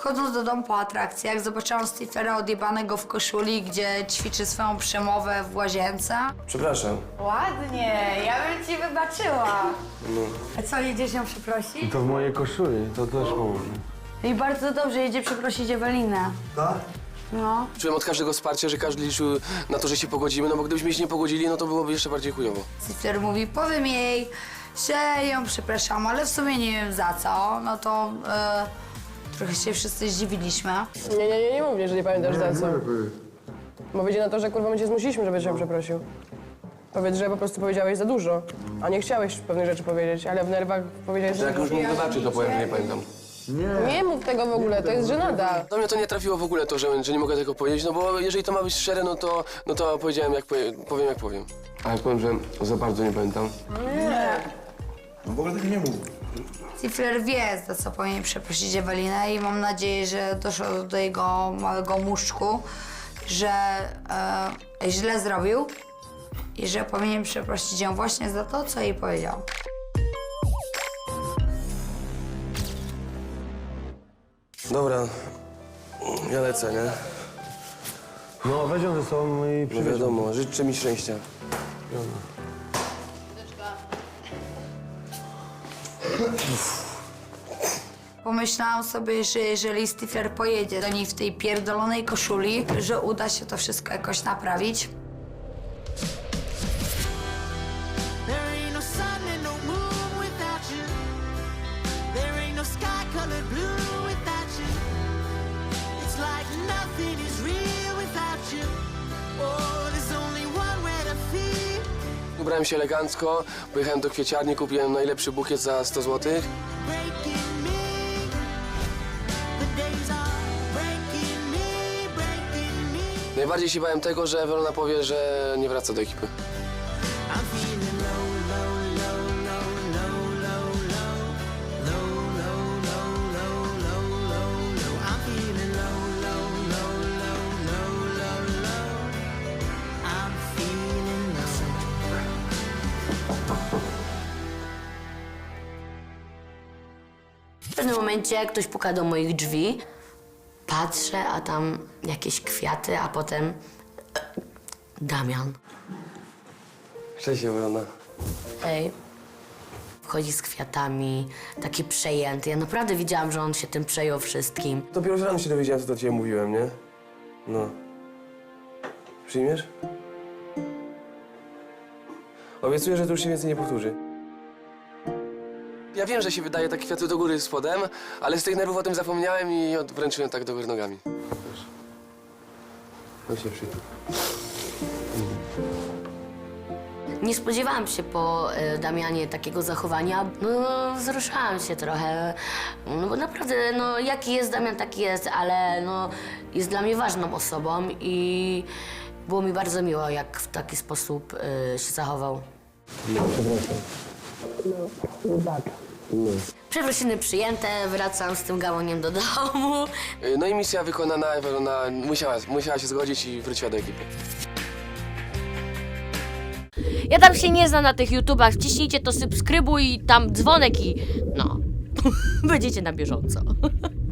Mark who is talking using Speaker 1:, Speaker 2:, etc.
Speaker 1: Wchodząc do domu po atrakcji, jak zobaczyłam Stiflera odjebanego w koszuli, gdzie ćwiczy swoją przemowę w łazience.
Speaker 2: Przepraszam.
Speaker 1: Ładnie, ja bym ci wybaczyła. A co, jedziesz ją przeprosić?
Speaker 3: To w mojej koszuli, to też pomoże.
Speaker 1: I bardzo dobrze, jedzie przeprosić Ewelinę.
Speaker 3: Tak?
Speaker 1: No.
Speaker 2: Czułem od każdego wsparcia, że każdy liczył na to, że się pogodzimy, no bo gdybyśmy się nie pogodzili, no to byłoby jeszcze bardziej chujowo.
Speaker 1: Stifler mówi, powiem jej, że ją przepraszam, ale w sumie nie wiem za co. No to trochę się wszyscy zdziwiliśmy.
Speaker 4: Nie mów mnie, że nie pamiętasz za co. Bo wyjdzie na to, że kurwa my cię zmusiliśmy, żebyś się przeprosił. Powiedz, że po prostu powiedziałeś za dużo, a nie chciałeś pewnych rzeczy powiedzieć, ale w nerwach powiedziałeś za
Speaker 2: Jak już
Speaker 4: dużo.
Speaker 2: mógł wybaczyć, to powiem, że nie pamiętam.
Speaker 4: Nie mów tego w ogóle, to jest żenada.
Speaker 2: Do mnie to nie trafiło w ogóle to, że nie mogę tego powiedzieć, no bo jeżeli to ma być szczere, no to powiedziałem powiem jak powiem. A jak powiem, że za bardzo nie pamiętam.
Speaker 3: No w ogóle tego nie mów.
Speaker 1: Stifler wie, za co powinien przeprosić Ewelinę i mam nadzieję, że doszło do jego małego muszczku, że źle zrobił i że powinien przeprosić ją właśnie za to, co jej powiedział.
Speaker 2: Dobra, ja lecę, nie?
Speaker 3: No weź ją ze sobą i
Speaker 2: No
Speaker 3: przywieź.
Speaker 2: wiadomo, życzę mi szczęścia.
Speaker 1: Pomyślałam sobie, że jeżeli Stifler pojedzie do niej w tej pierdolonej koszuli, że uda się to wszystko jakoś naprawić.
Speaker 5: There ain't no sun and no moon without you. There ain't no sky colored blue without you. It's like nothing is real without you. Oh, there's only one way to feel.
Speaker 2: Ubrałem się elegancko, pojechałem do kwieciarni, kupiłem najlepszy bukiet za 100 zł.
Speaker 5: Breaking me. The days are breaking me, breaking me.
Speaker 2: Najbardziej się bałem tego, że Ewelona powie, że nie wraca do ekipy.
Speaker 5: I'm feeling low, low, low, low, low, low, low, low, low, low, low, low, low, low. I'm feeling low, low, low, low, low, low, low. I'm feeling low.
Speaker 6: W pewnym momencie ktoś puka do moich drzwi. Patrzę, a tam jakieś kwiaty, a potem Damian.
Speaker 2: Cześć Ewelona.
Speaker 6: Ej. Wchodzi z kwiatami, taki przejęty. Ja naprawdę widziałam, że on się tym przejął wszystkim.
Speaker 2: Dopiero rano się dowiedziałem, co do ciebie mówiłem, nie? No. Przyjmiesz? Obiecuję, że to już się więcej nie powtórzy. Ja wiem, że się wydaje tak kwiaty do góry spodem, ale z tych nerwów o tym zapomniałem i wręczyłem tak do góry nogami. Proszę. No się przytul.
Speaker 6: Nie spodziewałam się po Damianie takiego zachowania. No, wzruszałam się trochę. No bo naprawdę, no jaki jest Damian, taki jest, ale no jest dla mnie ważną osobą i było mi bardzo miło, jak w taki sposób się zachował.
Speaker 2: No, przepraszam.
Speaker 6: Przeprosiny przyjęte, wracam z tym gałoniem do domu.
Speaker 2: No i misja wykonana, Ewelona musiała się zgodzić i wróciła do ekipy.
Speaker 7: Ja tam się nie znam na tych YouTubach, wciśnijcie to subskrybuj i tam dzwonek i no, będziecie na bieżąco.